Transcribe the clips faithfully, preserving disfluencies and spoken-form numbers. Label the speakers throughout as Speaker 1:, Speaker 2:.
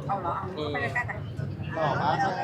Speaker 1: เอาเหรอเอาไปใกล้ๆกัน
Speaker 2: หล่อมากเลย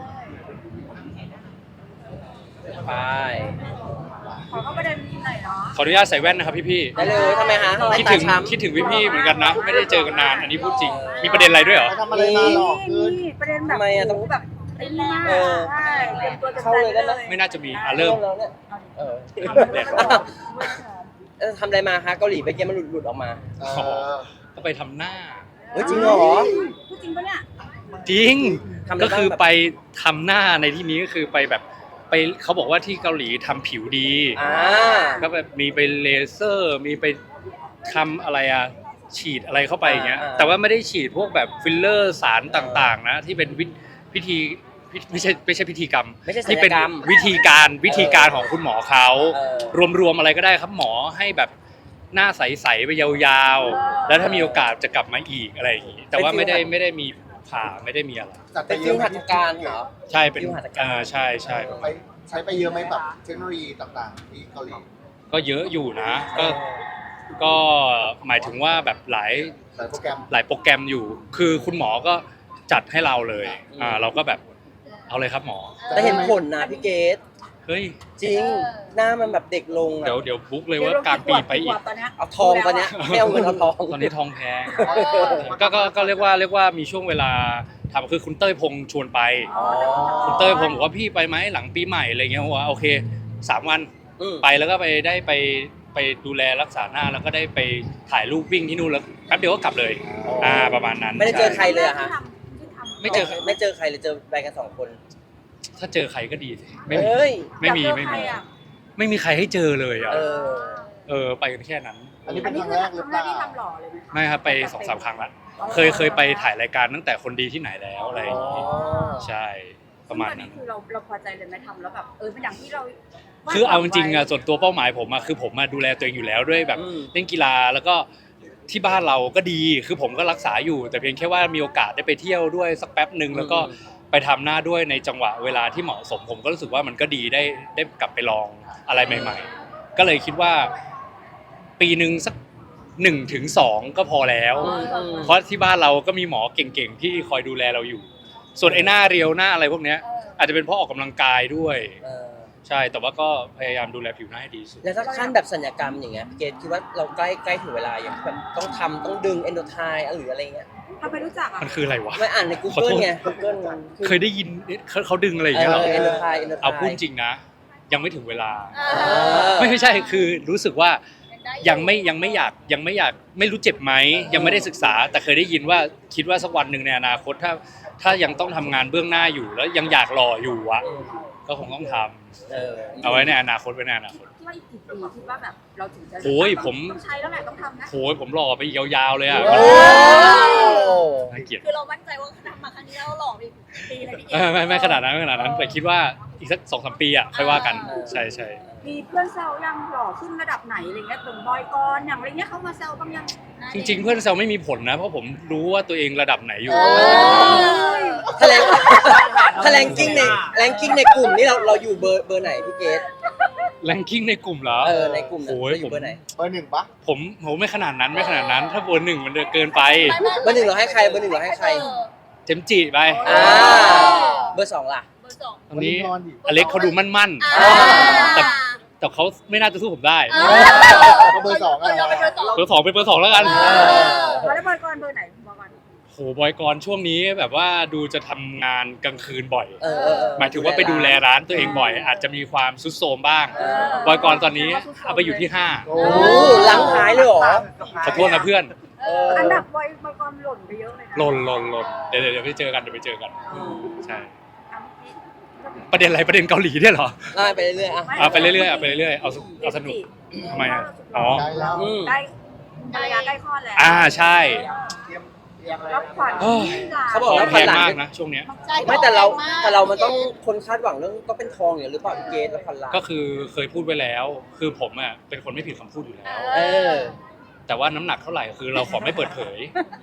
Speaker 3: ไป
Speaker 1: ขอเข้าประเด็นหน่อยเนาะ
Speaker 4: ขออนุญาตใส่แว่นนะครับพี่
Speaker 3: ได้เลยทำไมฮะ
Speaker 4: ๆคิดถึงคิดถึงพี่ๆเหมือนกันนะ ไม่ได้เจอกันนานอันนี้พูดจริงมีประเด็นอะไรด้วยเหรอ
Speaker 2: ไปทำอะไรมาหลอกขึ้น
Speaker 1: นี่ประเด็นแบบ
Speaker 3: ทำไมอะต้อง
Speaker 1: แบบไอ้นี่มาก
Speaker 3: เออ
Speaker 1: ใช่เตรียมตัวจะ
Speaker 3: เข้าเลยได้ไหม
Speaker 4: ไม่น่าจะมีอ่ะเริ่ม
Speaker 3: แล้วเนี่ยเออ
Speaker 4: แดด
Speaker 3: เออทำอะไรมาคะเกาหลีไปเกมมันหลุดหลุดออกมา
Speaker 2: เออ
Speaker 4: ก็ไปทำหน้า
Speaker 3: เฮ้ยจริงเหรอ
Speaker 1: พูดจริงปะเนี่ย
Speaker 4: จริง
Speaker 3: ทำอะไร
Speaker 4: ก็คือ
Speaker 3: บ้างแบบ
Speaker 4: ไปทำหน้าในที่นี้ก็คือไปแบบไปเขาบอกว่าที่เกาหลีทำผิวดี
Speaker 3: อ่า
Speaker 4: ก็แบบมีไปเลเซอร์ มีไปทำอะไรอะฉีดอะไรเข้าไปอย่างเงี้ย
Speaker 3: อ่า
Speaker 4: แต่ว่าไม่ได้ฉีดพวกแบบฟิลเลอร์สารต่างๆนะที่เป็นวิพิธีพิไม่ใช่ไม่ใช่พิธีกรรม
Speaker 3: ไม่ใช่ศัล
Speaker 4: ที่
Speaker 3: ย
Speaker 4: เป็น
Speaker 3: กรรม
Speaker 4: วิธีการวิธีการของคุณหมอเขา
Speaker 3: เออ
Speaker 4: รวมๆอะไรก็ได้ครับหมอให้แบบหน้าใสๆไปยาวๆ แล้วถ้ามีโอกาสจะกลับมาอีกอะไรอย่างงี้แต่ว่าไม่ได้ไม่ได้มีผ่าไม่ได้มีอะไร
Speaker 2: จัดไป
Speaker 3: เป็น
Speaker 2: เย
Speaker 3: ฟิ
Speaker 2: อะ
Speaker 3: ว
Speaker 2: ไหม
Speaker 3: หัตถการเหรอ
Speaker 4: ใช่เป็น
Speaker 3: ฟิวหัตถการ
Speaker 4: อ่าใช่ใช่
Speaker 2: ไปใช้ไปเยอะไหมแบบเทคโนโลยีต่างๆที่เกาหลี
Speaker 4: ก็เยอะอยู่นะ ก็ก็หมายถึงว่าแบบหลาย
Speaker 2: หลายโปรแกรม
Speaker 4: หลายโปรแกรมอยู่ คือคุณหมอก็จัดให้เราเลยอ่าเราก็แบบเอาเลยครับหมอ
Speaker 3: แต่เห็นผลนะพี่เกด
Speaker 4: เฮ้ย
Speaker 3: จริง หน้ามันแบบเด็กลงอะ
Speaker 4: เดี๋ยวเดี๋ยวบุ๊กเลยว่ากลางปีไปอีก
Speaker 1: ตอนเนี้ย
Speaker 3: เอาทองตอนเนี้ยไม่เอาเงินเอาทอง
Speaker 4: ตอนนี้ทองแพงก็ก็ก็เรียกว่าเรียกว่ามีช่วงเวลาทำคือคุณเต้ยพงษ์ชวนไป
Speaker 3: อ๋อ
Speaker 4: คุณเต้ยพงษ์บอกว่าพี่ไปไหมหลังปีใหม่อะไรเงี้ยผมว่าโอเคสามวัน
Speaker 3: อืม
Speaker 4: ไปแล้วก็ไปได้ไปไปดูแลรักษาหน้าแล้วก็ได้ไปถ่ายรูปวิ่งที่นู่นแล้วแป๊บเดียวก็กลับเลยอ่าประมาณนั้น
Speaker 3: ไม่ได้เจอใคร
Speaker 4: ช่
Speaker 3: เลยอะฮะ
Speaker 4: ไม่เจอ
Speaker 3: ไม่เจอใครเลยเจอไปกันสองคน
Speaker 4: ถ้าเจอใครก็ดีสิไม่มี
Speaker 3: เฮ้ย
Speaker 4: ไม่มีไม่มีไม่มีใครให้เจอเลยอ่ะ
Speaker 3: เออ
Speaker 4: เออไปกันแค่นั้น
Speaker 2: อันนี้
Speaker 1: อั
Speaker 2: เป็น น
Speaker 1: นี้
Speaker 2: ครั้ง
Speaker 1: คือ
Speaker 2: แรกห
Speaker 1: ค
Speaker 2: รือ
Speaker 1: รั้ง
Speaker 2: เป
Speaker 1: แรก
Speaker 2: ล่า
Speaker 1: ที่ทำหล่อเลยไหมคะ
Speaker 4: ไม่ครับไปสองสามครั้งละเคยเคยไปถ่ายรายการตั้งแต่คนดีที่ไหนแล้วอะไรอย่างงี้ใช่ประมาณนั้น
Speaker 1: คือเราเราพอใจเลยไหมทำแล้วแบบเออเป็นอย่างที่เรา
Speaker 4: คือเอาจริงๆอ่ะส่วนตัวเป้าหมายผมอ่ะคือผมมาดูแลตัวเองอยู่แล้วด้วยแบบ
Speaker 3: อืม
Speaker 4: เล่นกีฬาแล้วก็ที่บ้านเราก็ดีคือผมก็รักษาอยู่ แต่เพียงแค่ว่ามีโอกาสได้ไปเที่ยวด้วยสักแป๊บหนึ่งแล้วก็ไปทำหน้าด้วยในจังหวะเวลาที่เหมาะสม ผมก็รู้สึกว่ามันก็ดีได้ได้กลับไปลองอะไรใหม่ ๆ ก็เลยคิดว่า ปีหนึ่งสักหนึ่งถึงสองก็พอแล้ว
Speaker 3: อืมอืม
Speaker 4: เพราะที่บ้านเราก็มีหมอเก่งๆที่คอยดูแลเราอยู่ ส่วนไอ้หน้าเรียวหน้าอะไรพวกเนี้ย อาจจะเป็นเพราะออกกำลังกายด้วย
Speaker 3: เออ
Speaker 4: ใช่แต่ว่าก็พยายามดูแลผิวหน้าให้ดีที่สุด
Speaker 3: แล้วถ้าขั้นแบบสัญญกรรมอย่างเงี้ยพี่เกดคิดว่าเราใกล้ใกล้ถึงเวลาอย่างแบบต้องทำต้องดึงเอนโดไทหรืออะไรเงี้ย
Speaker 1: ทำไมรู้จักอ่ะ
Speaker 4: มันคืออะไรวะ
Speaker 3: ไม่อ่านใน
Speaker 4: ขอ
Speaker 3: Google
Speaker 4: โทษ
Speaker 3: ไง Google มัน
Speaker 4: เคยได้ยินเขาเขาดึงอะไรอย่าง
Speaker 3: เอ
Speaker 4: เงี้ยเหร
Speaker 3: อ
Speaker 4: อ
Speaker 3: เอนโดไทเอนโดไท
Speaker 4: เอาพูดจริงนะ ยังไม่ถึงเวลา
Speaker 3: เออ
Speaker 4: ไม่ใช่คือรู้สึกว่ายังไม่ยังไม่อยากยังไม่อยากไม่รู้เจ็บไหมยังไม่ได้ศึกษา แต่เคยได้ยินว่าคิดว่าสักวันหนึ่งในอนาคตถ้าถ้ายังต้องทำงานเบื้องหน้าอยู่แล้วยังอยากหล่ออยู่อะก็คงต้องทำ
Speaker 3: เออ
Speaker 4: เอาไว้ในอนาคตไว้ในอนาคต
Speaker 1: คิดว่าอีกกี่ปีคิดว่าแบบเราถึงจะ
Speaker 4: โอ้ยผม
Speaker 1: ต้องใช้แล้วแหละต้องทำนะ
Speaker 4: โหยผมหล่อไปอีกยาวๆเลยอะ
Speaker 3: โอ้
Speaker 4: น่าเกลียด
Speaker 5: คือเรามั่นใจว่าทำมาครั้งนี้เราหล่อไปอีกปีเลยพี่เก
Speaker 4: เออไม่ไม่ขนาดนั้นไม่ขนาดนั้นแต่คิดว่าอีกสักสองสามปีอะค่อยว่ากันใช่ใช่
Speaker 1: มีเพื่อนแซวยังหล่อขึ้นระดับไหนอะไรเงี้ยตรงบอยกรอย่างอะไรเงี้ยเขามาแซวบ้างยัง
Speaker 4: จริง ๆ เพื่อนแซวไม่มีผลนะ เพราะผมรู้ว่าตัวเองระดับไหนอยู่
Speaker 3: แถลงแถลงกิ้งในแรงกิ้งในกลุ่มนี่เราเราอยู่เบอร์เบอร์ไหนพี่เกด
Speaker 4: แรงกิ้งในกลุ่มเหรอ
Speaker 3: เออในกลุ่มน่ะ
Speaker 4: โอ้ย
Speaker 3: เราอ
Speaker 4: ผ
Speaker 3: ยู่
Speaker 4: ม
Speaker 3: เบอร์ไหน
Speaker 2: เบอร์หนึ่งปะ
Speaker 4: ผมผมไม่ขนาดนั้นไม่ขนาดนั้น ถ้าเบอร์หนึ่งมันเกินไป
Speaker 3: เบอร์หนึ่งเราให้ใครเบอร์หนึ่งเราให้ใคร
Speaker 4: เจมส์จิไป
Speaker 3: อ่าเบอร์สองล่ะ
Speaker 5: เบอร์สอง
Speaker 4: ตอนนี้
Speaker 2: นอนดิ
Speaker 4: อเล็กเขาดูมั่น
Speaker 5: อ่า
Speaker 4: ๆแต่แต่เขาไม่น่าจะสู้ผมได้
Speaker 5: เออ
Speaker 2: เบอร์สองอะ
Speaker 5: เราเป็นเบอร์สอง
Speaker 4: เบอร์สองเป็นเบอร์สองแล้วกัน
Speaker 5: เออ
Speaker 1: แล้วบอยกรเบอร์ไหนบอยกร
Speaker 4: โหบอยกรช่วงนี้แบบว่าดูจะทำงานกลางคืนบ่อย
Speaker 3: เออเออเออ
Speaker 4: หมายถึงว่าไปดูแลร้านตัวเองบ่อย อาจจะมีความซุดโทรมบ้าง
Speaker 3: เออ
Speaker 4: บอยกรตอนนี้เอาไปอยู่ที่ห้า
Speaker 2: โอ้
Speaker 3: โอ้หลังท้ายเลยเหรอ
Speaker 4: ขอโทษนะเพื่อน
Speaker 3: เออ
Speaker 1: อันดับบอยบอยกรหล่นไปเยอะเลยนะ
Speaker 4: หล่นหล่นหล่นเดี๋ยวเดี๋ยวเดี๋ยวไปเจอกันเดี๋ยวไปเจอกัน
Speaker 3: อืม
Speaker 4: ใช่
Speaker 1: อ่ะเมื่อกี้
Speaker 4: ประเด็นอะไรประเด็นเกาหลีเนี่ยเหรอ
Speaker 3: ไล่ไปเรื่อยๆอ่ะ
Speaker 4: เอาไปเรื่อยๆเอาไปเรื่อยๆเอาสเอาสนุกทำไมอ่ะอ๋อ
Speaker 2: ได้แล้ว
Speaker 3: อืม
Speaker 1: ใกล้ภรรยาใกล้คลอดแล้ว
Speaker 4: อ่าใช่
Speaker 2: เตรียมเตรียมอะไร
Speaker 1: รับขวัญ
Speaker 4: โอ้ย
Speaker 3: เขาบอก
Speaker 4: ขอ
Speaker 3: ว่า
Speaker 4: งแพงมากนะช่วงเนี้ย
Speaker 5: ใช่
Speaker 3: ไม่แต่เรา
Speaker 5: แพงก
Speaker 3: แต่เรามันต้องคนคาดหวังเรื่องก็เป็นทองอย่างหรือเปล่าพี่เกดแล้วพันล้าน
Speaker 4: ก็คือเคยพูดไว้แล้ว คือผมอ่ะเป็นคนไม่ผิดคำพูดอยู่แล้ว
Speaker 3: เออ
Speaker 4: แต่ว่าน้ำหนักเท่าไหร่คือเราขอไม่เปิดเผย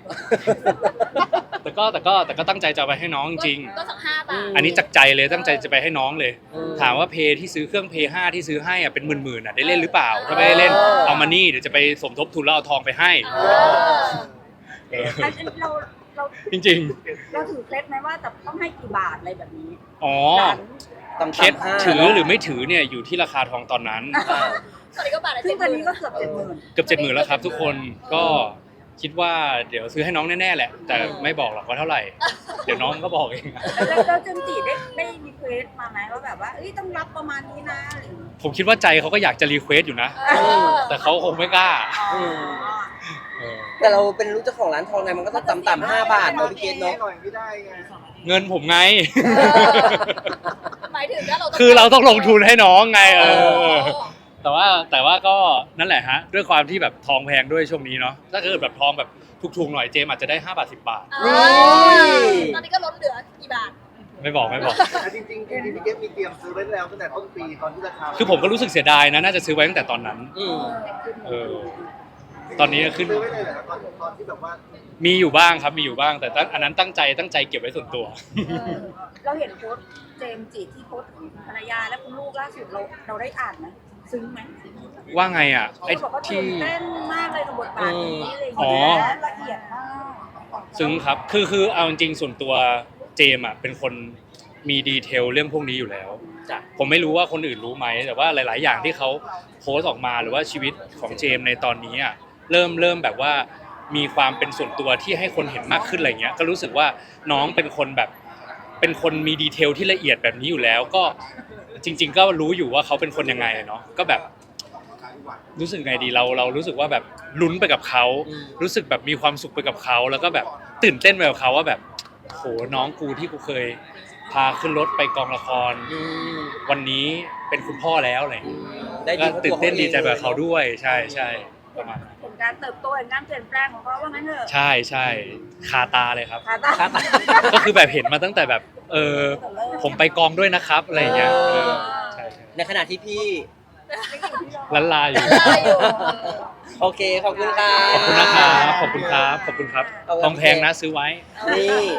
Speaker 4: แต่ก็แต่ก็แต่ก็ตั้งใจจะเอาไปให้น้องจริง
Speaker 5: ก็สักห้าบาท
Speaker 4: ๆอันนี้จากใจเลยตั้งใจจะไปให้น้องเลย
Speaker 3: อืม
Speaker 4: ถามว่าเพย์ที่ซื้อเครื่องเพย์ห้าที่ซื้อให้อ่ะเป็นหมื่นๆอ่ะได้เล่นหรือเปล่า ถ้าไม่ได้เล่น
Speaker 3: เออ
Speaker 4: เอามานี่เดี๋ยวจะไปสมทบทุนแล้วเอาทองไปให้
Speaker 3: เออ
Speaker 4: เออ
Speaker 1: อันนี้เราเเรา
Speaker 4: จริง
Speaker 1: เราถือเคล็ดไหมว่าจะต้องให้กี่บาทอะไรแบบนี้
Speaker 4: ๆ อ๋อ
Speaker 1: หลัง
Speaker 3: ต่ำ
Speaker 4: เคส
Speaker 3: ๆห้า
Speaker 4: ถือหรือไม่ถือเนี่ยอยู่ที่ราคาทองตอนนั้น
Speaker 3: อ่า
Speaker 5: ตอนนี้ก็บาทละ
Speaker 1: ซึ่
Speaker 5: เจ็
Speaker 1: ง
Speaker 5: ด
Speaker 1: ตอน
Speaker 5: ห
Speaker 1: นี้
Speaker 5: มื่น
Speaker 1: ก็เกือบเจ็ดหมื่น
Speaker 4: เกือบเจ็ดหมื่นแล้วครับทุกคนก็คิดว่าเดี๋ยวซื้อให้น้องแน่ๆแหละ แต่ไม่บอกหรอกว่าเท่าไหร่ เดี๋ยวน้องก็บอกเอง
Speaker 1: แล้วแล้วเจมส์จีได้ได้รีเควสมาไหมว่าแบบว่าเอ้ยต้องรับประมาณนี้นะอะไรอย่างเงี้ย
Speaker 4: ผมคิดว่าใจเขาก็อยากจะรีเควสอยู่นะ
Speaker 5: เออ
Speaker 4: แต่เขาคงไม่กล้า
Speaker 1: อ๋อ
Speaker 4: เออ
Speaker 3: แต่เราเป็นลูกเจ้าของร้านทองไงมันก็ต้องต่ำๆห้าบาทเนาะพี่เกดเนาะ
Speaker 2: หน่อยไม่ได้ไง
Speaker 4: เงินผมไง
Speaker 5: หมายถึงว่าเราต้อง
Speaker 4: คือเราต้องลงทุนให้น้องไงเอ
Speaker 5: อ๋
Speaker 4: อ
Speaker 5: อ
Speaker 4: แต่ว่าแต่ว่าก็นั่นแหละฮะ ด้วยความที่แบบทองแพงด้วยช่วงนี้เนาะถ้าเกิดแบบทองแบบถูกๆหน่อยเจมอาจจะได้ห้าบาทสิบบาท
Speaker 5: อ๋อตอนนี้ก็ลดเหลือกี่บาท
Speaker 4: ไม่บอกไม่บอก
Speaker 2: จริงจริงๆพี่เก็ตมีเตรียมซื้อไว้แล้วตั้งแต่ต้นปีตอนที่ราคา
Speaker 4: คือผมก็รู้สึกเสียดายนะน่าจะซื้อไว้ตั้งแต่ตอนนั้น
Speaker 3: อืม
Speaker 4: เออ ตอนนี้ขึ้น
Speaker 2: ซื้อไว้เลยเหรอตอนตอนที่แบบว่า
Speaker 4: มีอยู่บ้างครับมีอยู่บ้าง แต่ตั้งอันนั้นตั้งใจตั้งใจเก็บไว้ส่วนตัว
Speaker 1: เออเราเห็นโพสต์เจมส์จีที่โพสต์ของภรรยาและคุณลูกล่าสุดเราเราได้อ่านไหมซึ้งไหม
Speaker 4: ว่าไงอ่ะไอ้
Speaker 1: เขาบอกว่า
Speaker 4: ที่
Speaker 1: ตื่นเต้นมากเลยกับบทบาทนี้อะไรอย่าง
Speaker 4: อ๋อ
Speaker 1: เงี้ยละเอียดมาก
Speaker 4: ซึ้งครับ คือคือเอาจริงๆส่วนตัวเจมส์อ่ะเป็นคนมีดีเทลเรื่องพวกนี้อยู่แล้ว
Speaker 3: จ้ะ
Speaker 4: ผมไม่รู้ว่าคนอื่นรู้ไหม แต่ว่าหลาย ๆ อย่างที่เขาโพสต์ออกมาหรือว่าชีวิตของเจมส์ในตอนนี้อ่ะเริ่มเริ่มแบบว่ามีความเป็นส่วนตัวที่ให้คนเห็นมากขึ้นอะไรเงี้ย ก็รู้สึกว่าน้องเป็นคนแบบเป็นคนมีดีเทลที่ละเอียดแบบนี้อยู่แล้ว ก็จริง ๆ ก็รู้อยู่ว่าเขาเป็นคนยังไงเนาะ ก็แบบรู้สึกไงดีเราเรารู้สึกว่าแบบลุ้นไปกับเขา
Speaker 3: อืม
Speaker 4: รู้สึกแบบมีความสุขไปกับเขาแล้วก็แบบตื่นเต้นไปกับเขาว่าแบบโหน้องกูที่กูเคยพาขึ้นรถไปกองละคร
Speaker 3: อืม
Speaker 4: วันนี้เป็นคุณพ่อแล้วอะไรอย่าง
Speaker 3: อื
Speaker 4: เงี้ย
Speaker 3: มได้
Speaker 4: ก็
Speaker 3: ดี
Speaker 4: ตื่นเต้นดีใจ
Speaker 3: ล
Speaker 4: แบบเขาด้วยใช่ใช่ประมาณนั้น
Speaker 1: เห็นการเติบโตเห็นการเปลี่ยนแปลงของเขาว่างั้นเถอะ
Speaker 4: ใช่ใช่คาตาเลยครับ
Speaker 1: ขาตา
Speaker 3: ครับ
Speaker 4: ก็คือแบบเห็นมาตั้งแต่แบบ เออผมไปกองด้วยนะครับอะไรอย่างเงี้ยเออใช่ใช่
Speaker 3: ในขณะที่พี่
Speaker 4: ลันลาอยู่
Speaker 5: ได้อยู่
Speaker 3: โอเค ขอบคุณค่ะ
Speaker 4: ขอบคุณนะครับขอบคุณครับขอบคุณครับ
Speaker 3: เอาไว้
Speaker 4: ทองแพงนะซื้อไว้
Speaker 3: นี่